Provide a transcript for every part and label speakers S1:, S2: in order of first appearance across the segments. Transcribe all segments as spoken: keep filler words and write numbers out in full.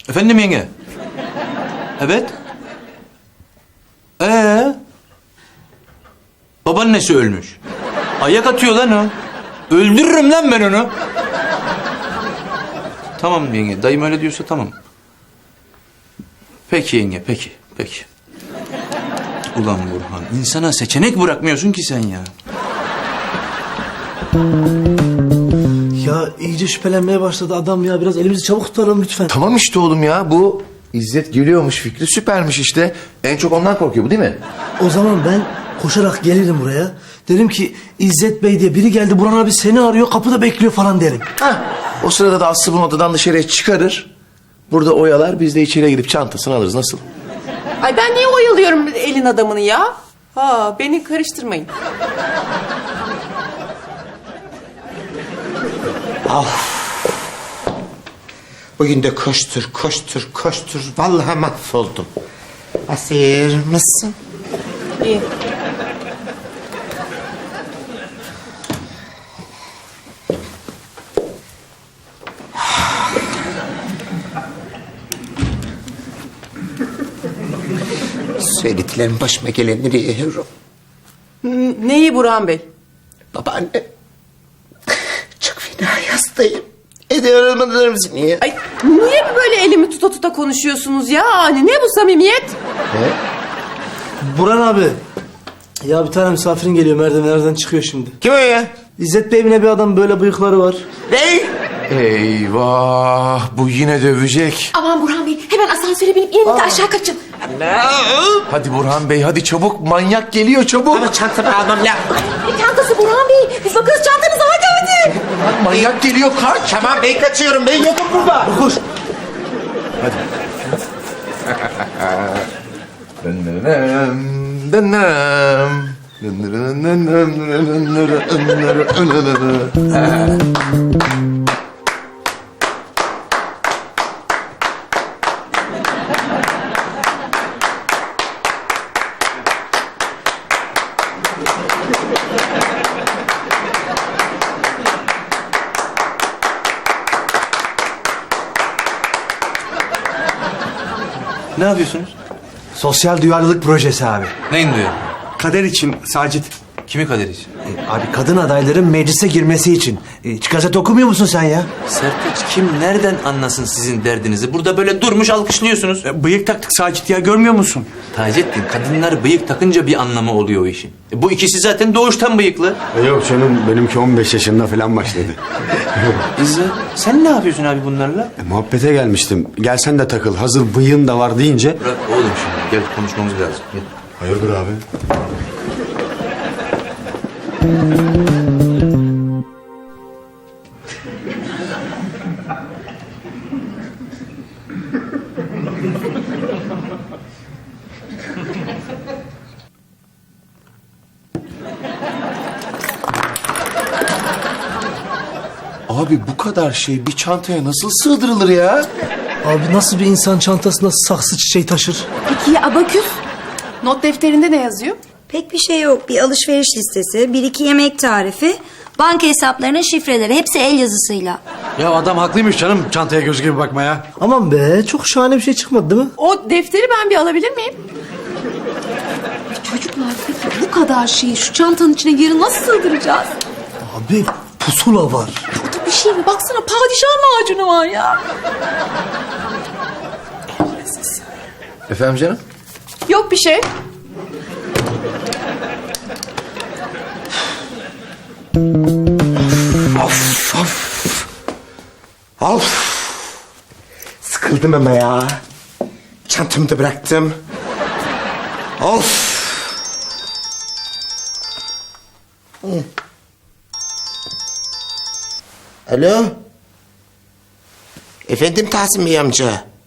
S1: Efendim yenge? Evet. Ee? Babaannesi ölmüş. Ayak atıyor lan o. Öldürürüm lan ben onu. Tamam yenge. Dayım öyle diyorsa tamam. Peki yenge, peki, peki. Ulan Burhan, insana seçenek bırakmıyorsun ki sen ya.
S2: Ya iyice şüphelenmeye başladı adam ya. Biraz elimizi çabuk tutalım lütfen.
S3: Tamam işte oğlum ya, bu İzzet geliyormuş fikri süpermiş işte. En çok ondan korkuyor bu, değil mi?
S2: O zaman ben koşarak gelirim buraya. Derim ki İzzet Bey diye biri geldi. Burhan abi seni arıyor, kapıda bekliyor falan derim.
S3: Hah. O sırada da Aslı bunu odadan dışarıya çıkarır. Burada oyalar, biz de içeriye gidip çantasını alırız. Nasıl?
S4: Ay ben niye oyalıyorum elin adamını ya? Ha, beni karıştırmayın.
S5: Bugün de koştur, koştur, koştur. Vallahi mahvoldum. Asir mısın?
S4: İyi.
S5: Söylediklerim başıma gelenleri yiyorum.
S4: N- Neyi Burhan Bey?
S5: Babaanne. Çok fena hastayım. Ediyorum anlarım seni.
S4: Ay niye böyle elimi tuta tuta konuşuyorsunuz ya? Hani ne bu samimiyet?
S2: Burhan abi. Ya bir tane misafirin geliyor, merdivenlerden çıkıyor şimdi.
S5: Kim o ya?
S2: İzzet Bey evine bir adam, böyle bıyıkları var.
S5: Ne?
S3: Eyvah, bu yine dövecek.
S6: Aman Burhan Bey, hemen asansöre binip inin de aşağı kaçın.
S3: Hadi Burhan Bey, hadi çabuk, manyak geliyor çabuk.
S5: Ama çantamı almam lazım.
S6: Ne çantası Burhan Bey? Biz bakarız çantanıza, hadi hadi.
S3: Lan manyak geliyor, kaç.
S5: Tamam ben kaçıyorum, ben yokum burada.
S2: Koş.
S1: Ne yapıyorsunuz?
S7: Sosyal duyarlılık projesi abi.
S1: Neyin diyor?
S7: Kader için Sacit.
S1: Kimi kaderiz?
S7: E, abi kadın adayların meclise girmesi için. E, hiç gazete okumuyor musun sen ya?
S1: Sertaç kim nereden anlasın sizin derdinizi? Burada böyle durmuş alkışlıyorsunuz.
S7: E, bıyık taktık Sacit ya, görmüyor musun?
S1: Taceddin, kadınlar bıyık takınca bir anlamı oluyor o işin. E, bu ikisi zaten doğuştan bıyıklı.
S8: E yok canım, benimki on beş yaşında falan başladı.
S1: İzzet, sen ne yapıyorsun abi bunlarla?
S8: E, muhabbete gelmiştim. Gelsen de takıl, hazır bıyığın da var deyince.
S1: Bırak oğlum şimdi, gel konuşmamız lazım. Gel.
S8: Hayırdır abi?
S3: Abi bu kadar şey bir çantaya nasıl sığdırılır ya?
S2: Abi nasıl bir insan çantasında saksı çiçeği taşır?
S4: Peki ya abaküs? Not defterinde ne yazıyor?
S9: Pek bir şey yok. Bir alışveriş listesi, bir iki yemek tarifi, banka hesaplarının şifreleri, hepsi el yazısıyla.
S7: Ya adam haklıymış canım, çantaya göz gibi bakmaya.
S2: Aman be, çok şahane bir şey çıkmadı değil mi?
S4: O defteri ben bir alabilir miyim?
S6: Çocuklar peki bu kadar şeyi şu çantanın içine geri nasıl sığdıracağız?
S2: Abi pusula var.
S6: Burada bir şey mi? Baksana padişah macunu var ya.
S3: Efendim canım?
S4: Yok bir şey.
S5: Of of. Of. Sıkıldım ama ya. Çantamı da bıraktım. Of. Hı. Alo. Efendim Tahsin Bey amca.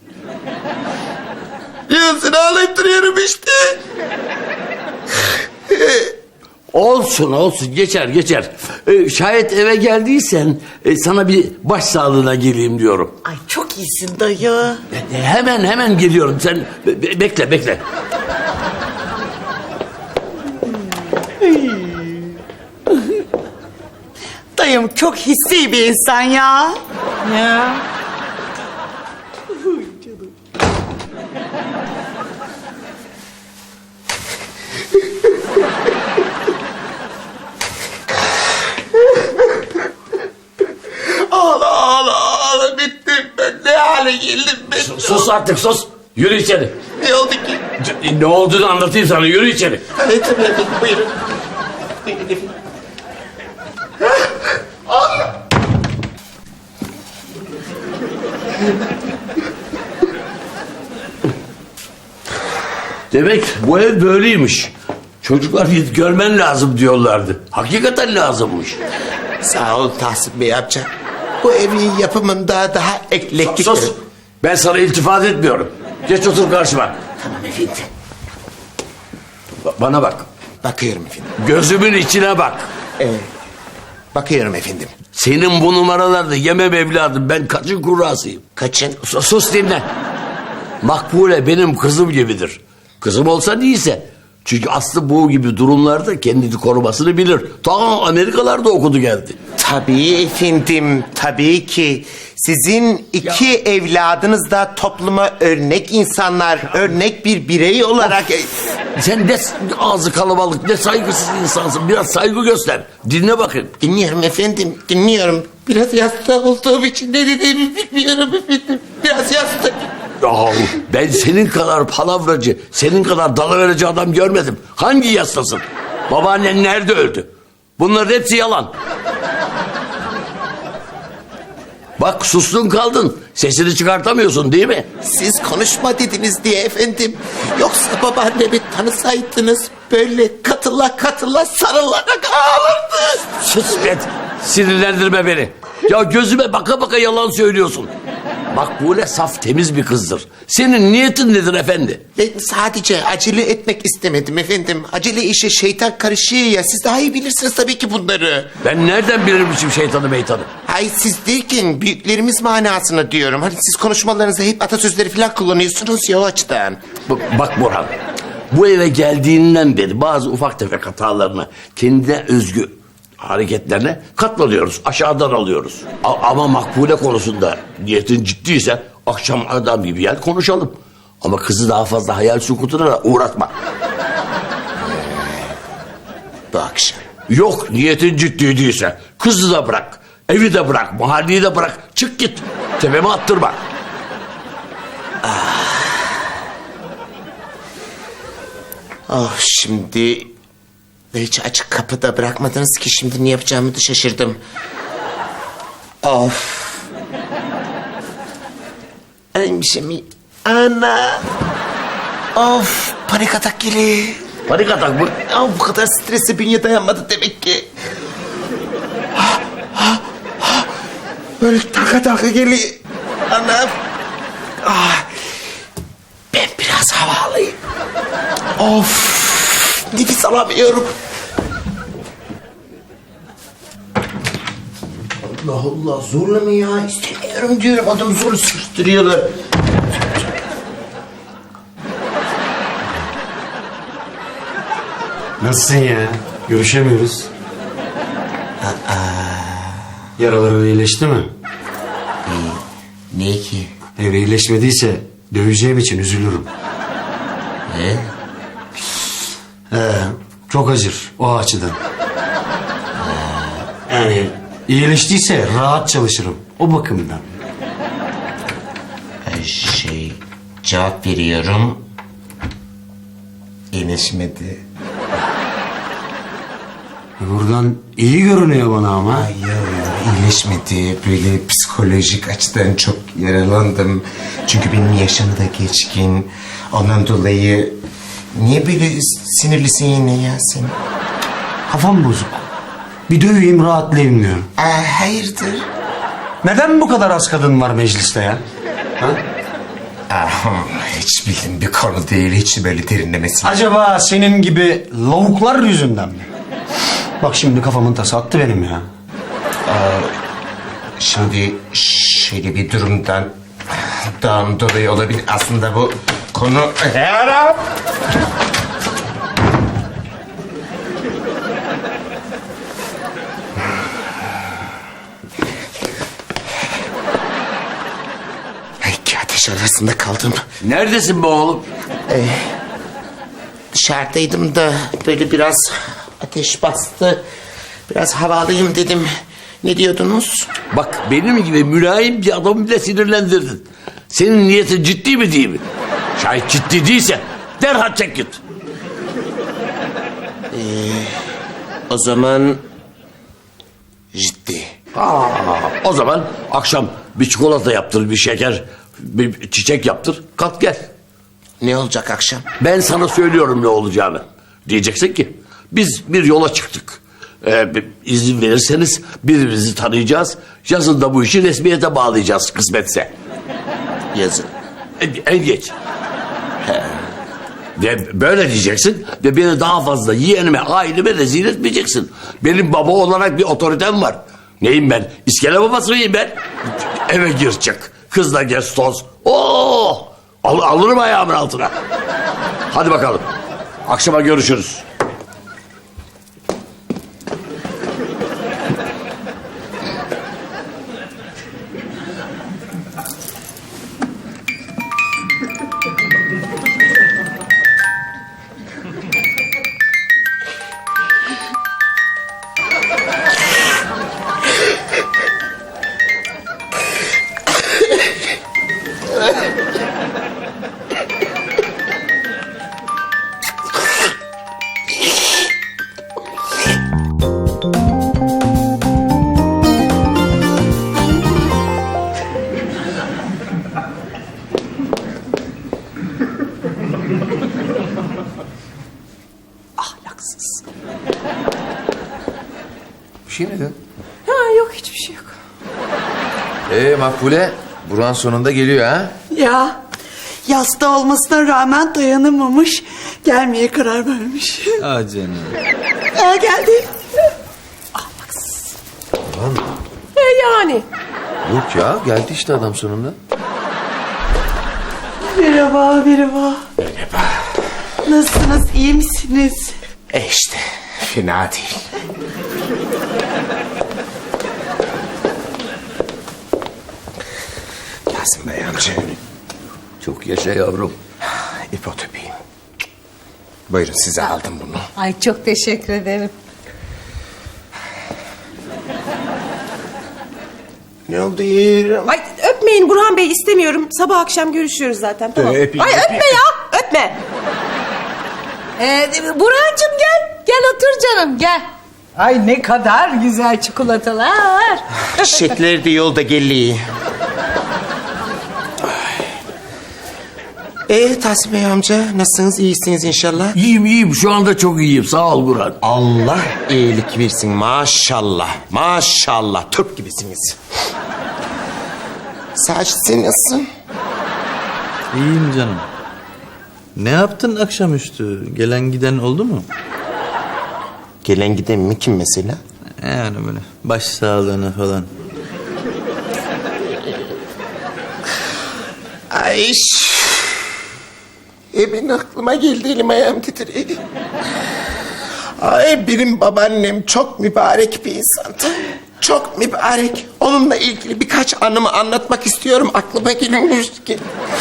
S5: Ya seni ağlayıp duruyorum işte.
S10: Olsun olsun, geçer geçer. Ee, şayet eve geldiysen e, sana bir baş sağlığına geleyim diyorum.
S5: Ay çok iyisin dayı.
S10: E, hemen hemen geliyorum, sen be- be- bekle bekle.
S5: Dayım çok hissi bir insan ya.
S4: Ya.
S5: hale geldim ben.
S10: Sus artık sus. Yürü içeri.
S5: Ne oldu ki?
S10: C- Ne olduğunu anlatayım sana. Yürü içeri.
S5: Evet tabii efendim buyurun. Buyurun efendim.
S10: Demek bu ev böyleymiş. Çocuklar git görmen lazım diyorlardı. Hakikaten lazımmış.
S5: Sağ ol Tahsin Bey amca. Bu evin yapımında daha eklektik.
S10: Sus. Ben sana iltifat etmiyorum. Geç otur karşıma.
S5: Tamam efendim.
S10: Ba- Bana bak.
S5: Bakıyorum efendim.
S10: Gözümün içine bak.
S5: Evet. Bakıyorum efendim.
S10: Senin bu numaralarda yemem evladım. Ben kaçın kurrasıyım.
S5: Kaçın?
S10: Sus, sus dinle. Makbule benim kızım gibidir. Kızım olsa değilse. Çünkü Aslı bu gibi durumlarda kendini korumasını bilir. Ta Amerikalarda okudu geldi.
S5: Tabii efendim, tabii ki. Sizin iki evladınız da topluma örnek insanlar, örnek bir birey olarak...
S10: Sen ne ağzı kalabalık, ne saygısız insansın. Biraz saygı göster. Dinle bakın.
S5: Dinliyorum efendim, dinliyorum. Biraz yasta olduğum için ne dediğimi bilmiyorum efendim. Biraz yasta.
S10: Yahu ben senin kadar palavracı, senin kadar dalıverici adam görmedim. Hangi yastasın? Babaannen nerede öldü? Bunların hepsi yalan. Bak sustun kaldın. Sesini çıkartamıyorsun değil mi?
S5: Siz konuşma dediniz diye efendim. Yoksa babaannemi tanısaydınız böyle katıla katıla sarılarak ağlardı.
S10: Sus be. Sinirlendirme beni. Ya gözüme baka baka yalan söylüyorsun. Makbule saf temiz bir kızdır. Senin niyetin nedir efendi?
S5: Ben sadece acele etmek istemedim efendim. Acele işe şeytan karışıyor ya. Siz daha iyi bilirsiniz tabii ki bunları.
S10: Ben nereden bilirmişim şeytanı meytanı?
S5: Hayır siz derken büyüklerimiz manasına diyorum. Hani siz konuşmalarınızda hep atasözleri falan kullanıyorsunuz ya o açıdan.
S10: B- Bak Burhan, bu eve geldiğinden beri bazı ufak tefek hatalarına, kendine özgü hareketlerine katlanıyoruz, aşağıdan alıyoruz. A- ama Makbule konusunda niyetin ciddiyse akşam adam gibi gel konuşalım. Ama kızı daha fazla hayal sukutuna da uğratma.
S5: Bu akşam.
S10: Yok niyetin ciddi değilse kızı da bırak, evi de bırak, mahalleyi de bırak, çık git. Tepeme attırma.
S5: Oh şimdi... Hiç açık kapıda bırakmadınız ki şimdi ne yapacağımı da şaşırdım. Of. Ölmüşüm. Ana. Of panik atak geliyor.
S10: Panik atak mı?
S5: Ya bu kadar strese bünye dayanmadı demek ki. Ha, ha, ha. Böyle taka taka geliyor. Anam. Ah. Ben biraz hava alayım. Of. Nefes alamıyorum. Allah Allah zorla mı ya? İstemiyorum diyorum. Adamı zorla sıkıştırıyorlar.
S8: Nasılsın ya? Görüşemiyoruz. Yaraların iyileşti mi?
S5: Ne ki?
S8: Eğer iyileşmediyse döveceğim için üzülürüm.
S5: Ne?
S8: Ee, çok acır o açıdan. Yani iyileştiyse rahat çalışırım o bakımdan.
S5: Şey cevap veriyorum. İyileşmedi.
S8: Buradan iyi görünüyor bana ama.
S5: Hayır iyileşmedi. Böyle psikolojik açıdan çok yaralandım. Çünkü benim yaşım da geçkin. Ondan dolayı niye böyle sinirlisin yine ya sen?
S8: Kafam bozuk. Bir döveyim rahatlayayım diyorum.
S5: Aa, hayırdır?
S8: Neden bu kadar az kadın var mecliste ya? Ha?
S5: Aa, hiç bildiğim bir konu değil. Hiç böyle derinlemesi.
S8: Acaba senin gibi lavuklar yüzünden mi? Bak şimdi kafamın tası attı benim ya.
S5: Şimdi şöyle bir durumdan dan dolayı olabilir. Aslında bu konu... Herap! Ay iki ateş arasında kaldım.
S10: Neredesin be oğlum?
S5: Dışarıdaydım da böyle biraz ateş bastı. Biraz hava alayım dedim. Ne diyordunuz?
S10: Bak benim gibi mülayim bir adamı bile sinirlendirdin. Senin niyetin ciddi mi değil mi? Şayet ciddi değilse derhal çek git.
S5: O zaman ciddi.
S10: Aa, o zaman akşam bir çikolata yaptır, bir şeker, bir çiçek yaptır. Kalk gel.
S5: Ne olacak akşam?
S10: Ben sana söylüyorum ne olacağını. Diyeceksin ki biz bir yola çıktık. Ee, bir izin verirseniz birbirimizi tanıyacağız. Yazın da bu işi resmiyete bağlayacağız kısmetse.
S5: Yazın.
S10: En, en geç. He. Ve böyle diyeceksin ve beni daha fazla yeğenime, aileme rezil etmeyeceksin. Benim baba olarak bir otoritem var. Neyim ben? İskele babası mıyım ben? Eve gir çık. Kızla gez toz. Oo! Al, alırım ayağımın altına. Hadi bakalım. Akşama görüşürüz.
S4: Ahlaksız.
S3: Bir şey mi dedin?
S4: Ha yok hiçbir şey yok.
S3: Ee Makbule, Burhan sonunda geliyor ha?
S11: Ya yasta olmasına rağmen dayanamamış. Gelmeye karar vermiş.
S1: Aa canım.
S11: Aa, geldi.
S4: Ahlaksız. E yani.
S3: Yok ya, geldi işte adam sonunda.
S11: Merhaba, merhaba. Merhaba. Nasılsınız, iyi misiniz?
S5: E işte fena değil. Yasin Bey amca.
S10: Çok yaşa yavrum.
S5: İpot öpeyim. Buyurun size aldım bunu.
S6: Ay çok teşekkür ederim.
S5: Ne oldu yeğenim?
S4: Ay öpmeyin Burhan Bey istemiyorum. Sabah akşam görüşüyoruz zaten tamam.
S5: öpeyim,
S4: Ay
S5: öpeyim.
S4: öpme ya öpme.
S6: Ee, Burhan'cığım gel. Gel otur canım gel. Ay ne kadar güzel çikolatalar.
S5: Çiçekler de yolda geliyor. Ee Tahsin Bey amca nasılsınız? İyisiniz inşallah.
S10: İyiyim iyiyim şu anda çok iyiyim sağ ol Burhan.
S5: Allah iyilik versin maşallah. Maşallah Türk gibisiniz. Sacit sen nasılsın?
S1: İyiyim canım. Ne yaptın akşamüstü? Gelen giden oldu mu?
S5: Gelen giden mi kim mesela?
S1: Yani böyle baş sağlığına falan.
S5: Ay. E benim aklıma geldi elim ayağım titriyor. Ay benim babaannem çok mübarek bir insandı. Çok mübarek. Onunla ilgili birkaç anımı anlatmak istiyorum. Aklıma gelmiş ki.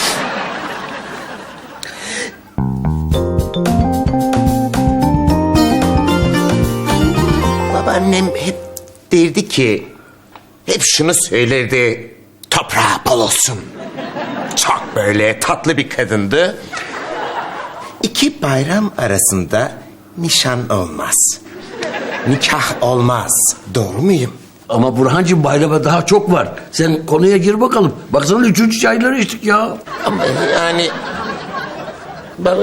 S5: Babaannem hep derdi ki, hep şunu söylerdi. Toprağı bol olsun. Çok böyle tatlı bir kadındı. İki bayram arasında nişan olmaz. Nikah olmaz. Doğru muyum?
S10: Ama Burhancığım bayrama daha çok var. Sen konuya gir bakalım. Baksana üçüncü çayları içtik ya.
S5: Ama yani... Baba...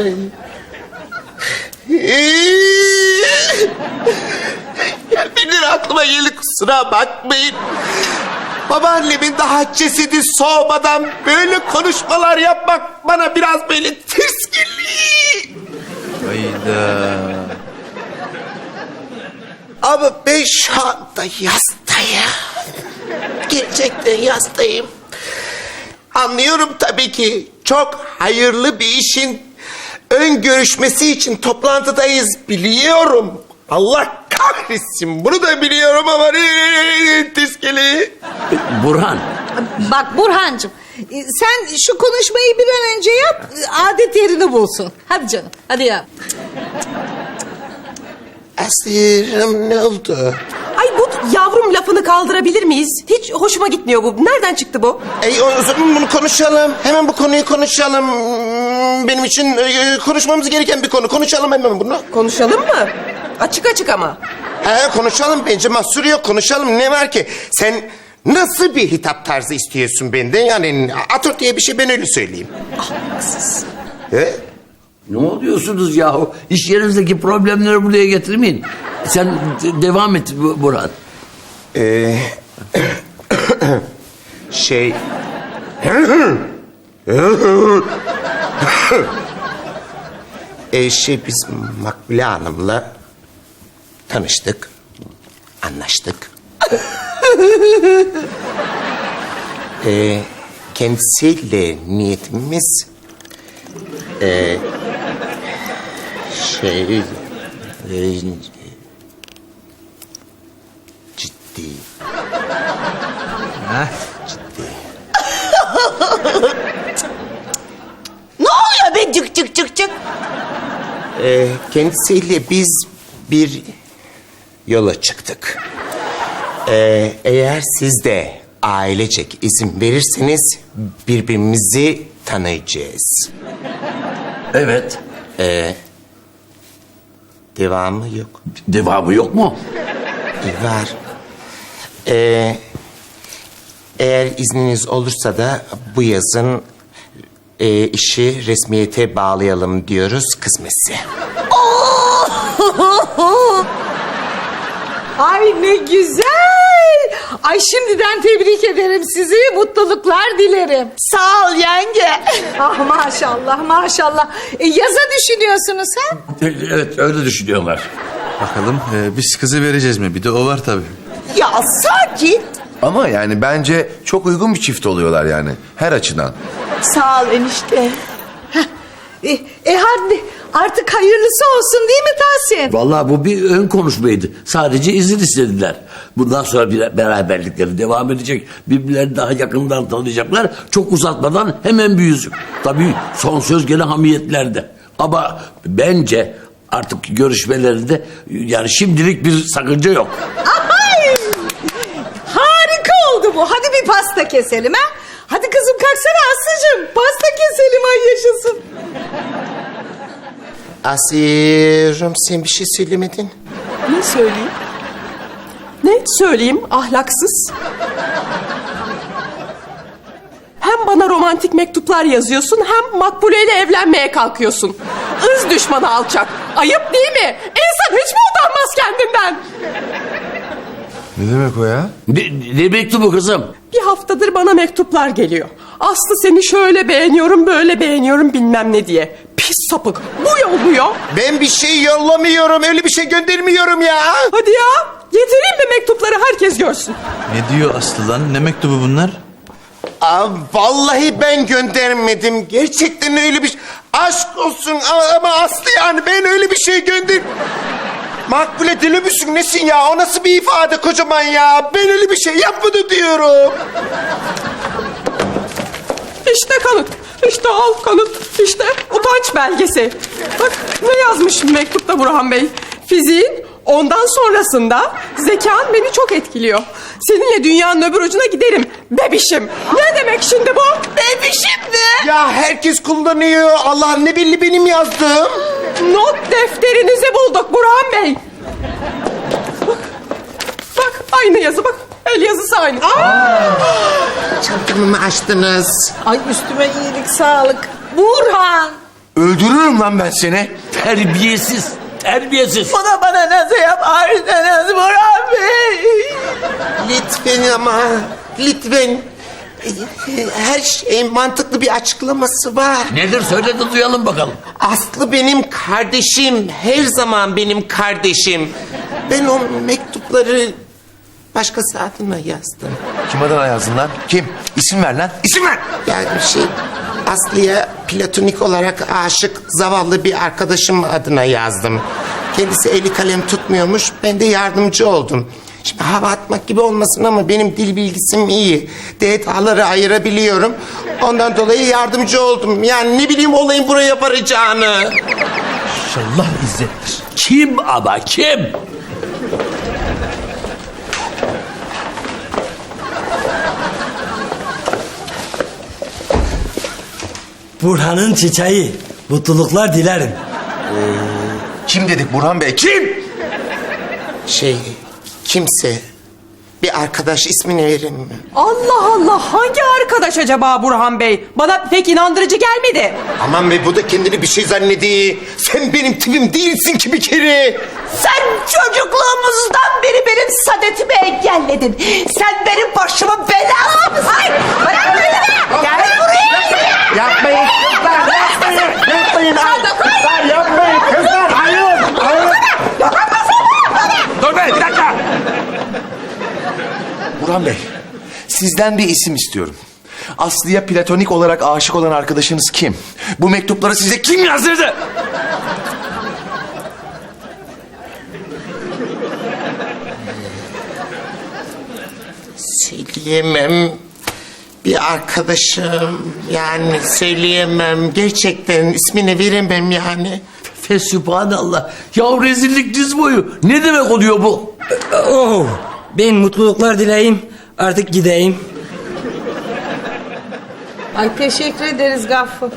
S5: Gelmeden aklıma geldi kusura bakmayın. Babaannemin daha cesedi soğumadan böyle konuşmalar yapmak bana biraz böyle ters geliyor.
S1: Hayda.
S5: Ama ben şu anda yastayım. Gerçekten yastayım. Anlıyorum tabii ki çok hayırlı bir işin ön görüşmesi için toplantıdayız biliyorum. Allah kahretsin bunu da biliyorum ama tiskeli.
S10: Burhan.
S6: Bak Burhan'cığım sen şu konuşmayı bir an önce yap adet yerini bulsun. Hadi canım hadi ya.
S5: Asirim ne oldu?
S4: Ay bu yavrum lafını kaldırabilir miyiz? Hiç hoşuma gitmiyor bu. Nereden çıktı bu?
S5: Ey, o zaman bunu konuşalım. Hemen bu konuyu konuşalım. Hmm, Benim için e, konuşmamız gereken bir konu. Konuşalım hemen bunu.
S4: Konuşalım mı? Açık açık ama.
S5: He, konuşalım. Bence mahsur yok. Konuşalım. Ne var ki? Sen nasıl bir hitap tarzı istiyorsun benden? Yani atur diye bir şey, ben öyle söyleyeyim.
S4: Haksız.
S5: He?
S10: Ne oluyorsunuz yahu? İş yerinizdeki problemleri buraya getirmeyin. Sen de- devam et Bu- Burhan.
S5: Ee, şey... ee, şey biz Makbule Hanım'la tanıştık, anlaştık. ee, kendisiyle niyetimiz... ee, şey... ee, ciddi.
S11: Ne oluyor be cık cık cık cık?
S5: Ee, kendisiyle biz bir yola çıktık. Ee, eğer siz de ailecek izin verirseniz birbirimizi tanıyacağız.
S10: Evet.
S5: Ee, devamı yok.
S10: Devamı yok mu?
S5: Var. Ee, eğer izniniz olursa da bu yazın e, işi resmiyete bağlayalım diyoruz, kısmetse.
S6: Ay ne güzel. Ay şimdiden tebrik ederim sizi. Mutluluklar dilerim.
S11: Sağ ol yenge.
S6: Ah maşallah maşallah. E, yaza düşünüyorsunuz ha?
S10: Evet, öyle düşünüyorlar.
S1: Bakalım e, biz kızı vereceğiz mi? Bir de o var tabii.
S11: Ya sakin.
S3: Ama yani bence çok uygun bir çift oluyorlar yani. Her açıdan.
S11: Sağ ol enişte.
S6: E, e hadi artık hayırlısı olsun değil mi Tahsin?
S10: Vallahi bu bir ön konuşmaydı. Sadece izin istediler. Bundan sonra bir beraberlikleri devam edecek. Birbirlerini daha yakından tanıyacaklar. Çok uzatmadan hemen bir yüzük. Tabii son söz gene hamiyetlerde. Ama bence artık görüşmelerinde yani şimdilik bir sakınca yok.
S6: Ay! Harika oldu bu. Hadi bir pasta keselim ha. Hadi kızım kalksana Aslı'cığım. Pasta keselim ay yaşasın.
S5: Asiye'cim, sen bir şey söylemedin.
S4: Ne söyleyeyim? Ne söyleyeyim ahlaksız? Hem bana romantik mektuplar yazıyorsun hem Makbule ile evlenmeye kalkıyorsun. Irz düşmanı alçak. Ayıp değil mi? İnsan hiç mi utanmaz kendinden?
S3: Ne demek o ya?
S10: Ne, ne mektubu kızım?
S4: Bir haftadır bana mektuplar geliyor. Aslı seni şöyle beğeniyorum, böyle beğeniyorum bilmem ne diye. Pis sapık. Bu yolluyor.
S5: Ben bir şey yollamıyorum, öyle bir şey göndermiyorum ya.
S4: Hadi ya. Getireyim mi mektupları herkes görsün.
S1: Ne diyor Aslı lan? Ne mektubu bunlar?
S5: Aa, vallahi ben göndermedim. Gerçekten öyle bir şey. Aşk olsun ama, ama Aslı yani ben öyle bir şey gönder... Makbule deli misin nesin ya? O nasıl bir ifade kocaman ya? Ben öyle bir şey yapmadım diyorum.
S4: İşte kanıt. İşte al kanıt. İşte utanç belgesi. Bak ne yazmış mektupta Burhan Bey. Fiziğin ondan sonrasında zekan beni çok etkiliyor. Seninle dünyanın öbür ucuna giderim. Bebişim. Ne demek şimdi bu? Bebişim mi?
S5: Ya herkes kullanıyor. Allah ne belli benim yazdığım.
S4: Not defterinizi bulduk Burhan Bey. Bak. Bak aynı yazı bak. El yazısı aynı.
S5: Çantamı mı açtınız?
S6: Ay üstüme iyilik sağlık. Burhan.
S3: Öldürürüm lan ben seni.
S10: Terbiyesiz. Terbiyesiz.
S11: Bana bana nasıl yaparsınız Burhan Bey?
S5: Lütfen ama. Lütfen. Her şeyin mantıklı bir açıklaması var.
S10: Nedir söyle de duyalım bakalım.
S5: Aslı benim kardeşim. Her zaman benim kardeşim. Ben o mektupları başkası adına yazdım.
S3: Kim adına yazdın lan? Kim? İsim ver lan. İsim ver.
S5: Yani şey Aslı'ya platonik olarak aşık zavallı bir arkadaşım adına yazdım. Kendisi eli kalem tutmuyormuş. Ben de yardımcı oldum. Şimdi hava atmak gibi olmasın ama benim dil bilgisim iyi. Detaları ayırabiliyorum. Ondan dolayı yardımcı oldum. Yani ne bileyim olayın buraya varacağını.
S1: İnşallah İzzet'tir.
S10: Kim ama kim?
S2: Burhan'ın çiçeği. Mutluluklar dilerim.
S3: Kim dedik Burhan Bey? Kim?
S5: Şey, kimse. Bir arkadaş ismini verin mi?
S4: Allah Allah, hangi arkadaş acaba Burhan Bey? Bana pek inandırıcı gelmedi.
S5: Aman be, bu da kendini bir şey zannediyor. Sen benim tipim değilsin ki bir kere.
S11: Sen çocukluğumuzdan beri benim saadetimi engelledin. Sen benim başımın belasısın. Hayır, bırak beni. Gel buraya.
S5: Yapmayın kızlar, yapmayın. Yapmayın. Kızlar yapmayın kızlar. Hayır, hayır.
S10: Dur be bir dakika.
S3: Burhan Bey, sizden bir isim istiyorum. Aslı'ya platonik olarak aşık olan arkadaşınız kim? Bu mektupları size kim yazdırdı?
S5: Söyleyemem. Bir arkadaşım, yani söyleyemem. Gerçekten ismini veremem yani.
S10: Fesübhanallah. Ya rezillik diz boyu. Ne demek oluyor bu?
S2: Oh, ben mutluluklar dileyim. Artık gideyim.
S6: Ay teşekkür ederiz Gaffur.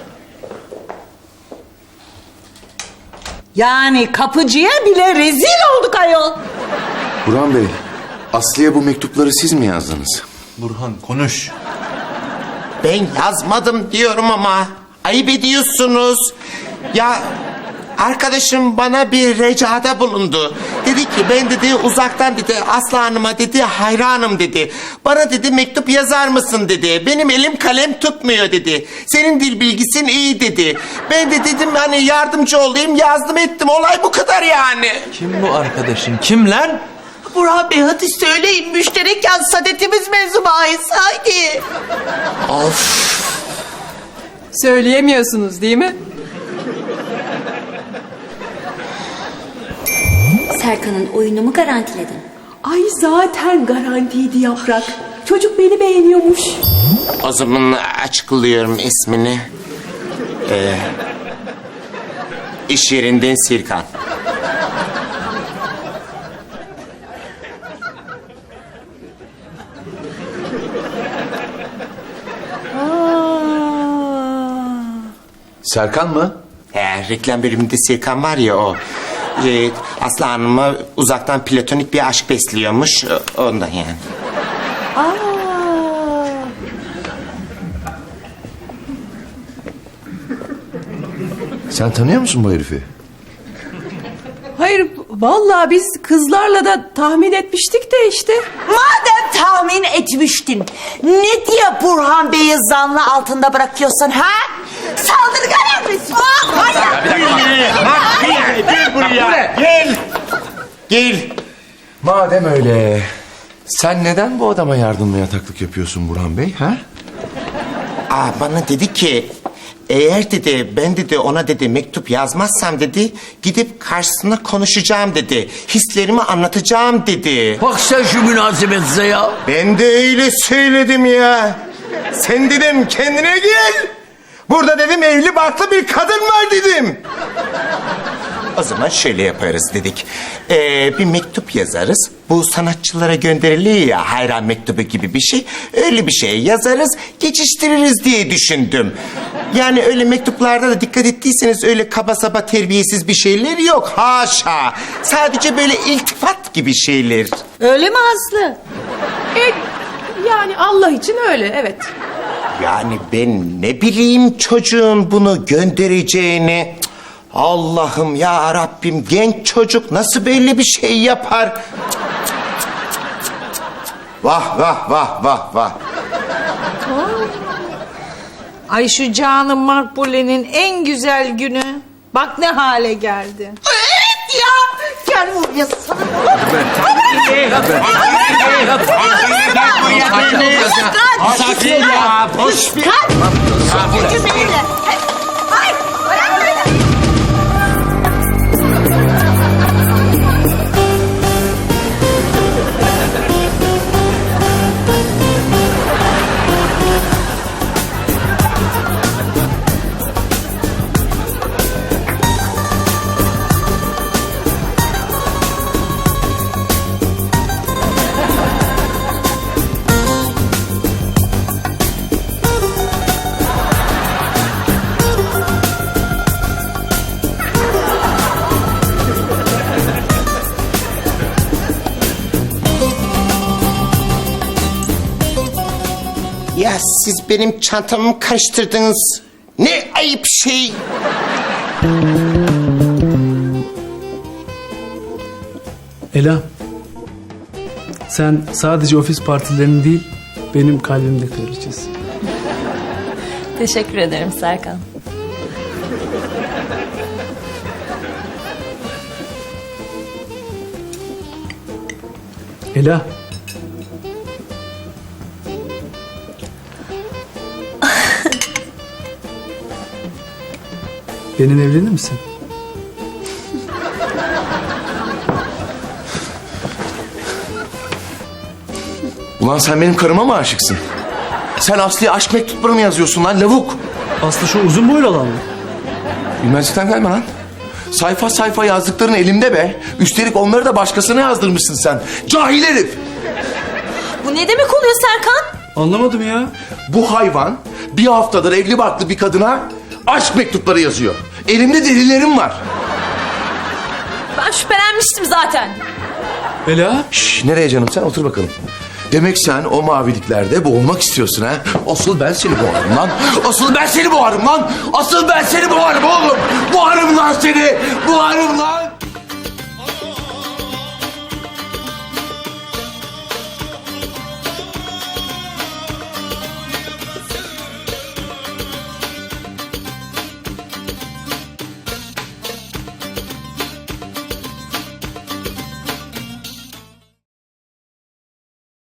S6: Yani kapıcıya bile rezil olduk ayol.
S3: Burhan Bey, Aslı'ya bu mektupları siz mi yazdınız?
S1: Burhan konuş.
S5: Ben yazmadım diyorum ama ayıp ediyorsunuz. Ya arkadaşım bana bir ricada bulundu. Dedi ki ben dedi uzaktan dedi Aslı Hanım'a dedi hayranım dedi. Bana dedi mektup yazar mısın dedi. Benim elim kalem tutmuyor dedi. Senin dil bilgisin iyi dedi. Ben de dedim hani yardımcı olayım, yazdım ettim. Olay bu kadar yani.
S1: Kim bu arkadaşın? Kim lan?
S11: Burhan Bey hadi söyleyin. Müşterek yaz saadetimiz mevzu bahis. Haydi.
S4: Söyleyemiyorsunuz değil mi?
S9: Serkan'ın oyunumu garantiledin.
S4: Ay zaten garantiydi Yaprak. Çocuk beni beğeniyormuş.
S5: O zaman açıklıyorum ismini. Ee, iş yerinden Sirkan.
S3: Serkan mı?
S5: He, reklam bölümünde Sirkan var ya o. Ee, Aslı Hanım'a uzaktan platonik bir aşk besliyormuş. Ondan yani.
S3: Sen tanıyor musun bu herifi?
S4: Hayır, vallahi biz kızlarla da tahmin etmiştik de işte.
S11: Madem tahmin etmiştin, ne diye Burhan Bey'i zanlı altında bırakıyorsun ha? Saldırgan mısın?
S5: Gel buraya. Gel. Gel.
S3: Madem öyle, sen neden bu adama yardımla yataklık yapıyorsun Burhan Bey, ha?
S5: Aa, bana dedi ki eğer dedi ben dedi ona dedi mektup yazmazsam dedi gidip karşısına konuşacağım dedi. Hislerimi anlatacağım dedi.
S10: Bak sen şu münasebetse ya.
S5: Ben de öyle söyledim ya. Sen dedim kendine gel. Burada dedim evli barklı bir kadın var dedim. O zaman şöyle yaparız dedik. Ee, bir mektup yazarız. Bu sanatçılara gönderiliyor ya hayran mektubu gibi bir şey. Öyle bir şey yazarız, geçiştiririz diye düşündüm. Yani öyle mektuplarda da dikkat ettiyseniz öyle kaba saba terbiyesiz bir şeyler yok. Haşa. Sadece böyle iltifat gibi şeyler.
S6: Öyle mi Aslı?
S4: E, yani Allah için öyle, evet.
S5: Yani ben ne bileyim çocuğun bunu göndereceğini. Cık, Allah'ım ya Rabbim, genç çocuk nasıl böyle bir şey yapar? Cık, cık, cık, cık, cık. Vah vah vah vah vah.
S6: Ay şu canım Makbule'nin en güzel günü. Bak ne hale geldi.
S11: Evet ya. Gel buraya sana.
S5: Sakin ya. Boş bir.
S11: Hayır, bırak beni.
S5: Ya siz benim çantamı karıştırdınız. Ne ayıp şey.
S12: Ela, sen sadece ofis partilerinin değil, benim kalbimde kraliçesin.
S9: Teşekkür ederim Serkan.
S12: Ela. Benimle evlenir misin?
S3: Ulan sen benim karıma mı aşıksın? Sen Aslı'ya aşk mektupları mı yazıyorsun lan lavuk?
S12: Aslı şu uzun boylu olan mı?
S3: Bilmezlikten gelme lan. Sayfa sayfa yazdıkların elimde be. Üstelik onları da başkasına yazdırmışsın sen. Cahil herif.
S9: Bu ne demek oluyor Serkan?
S12: Anlamadım ya.
S3: Bu hayvan bir haftadır evli barklı bir kadına aşk mektupları yazıyor. Elimde delillerim var.
S9: Ben şüphelenmiştim zaten.
S12: Ela.
S3: Şş, nereye canım sen otur bakalım. Demek sen o maviliklerde boğulmak istiyorsun ha? Asıl ben seni boğarım lan. Asıl ben seni boğarım lan. Asıl ben seni boğarım oğlum. Boğarım lan seni. Boğarım lan.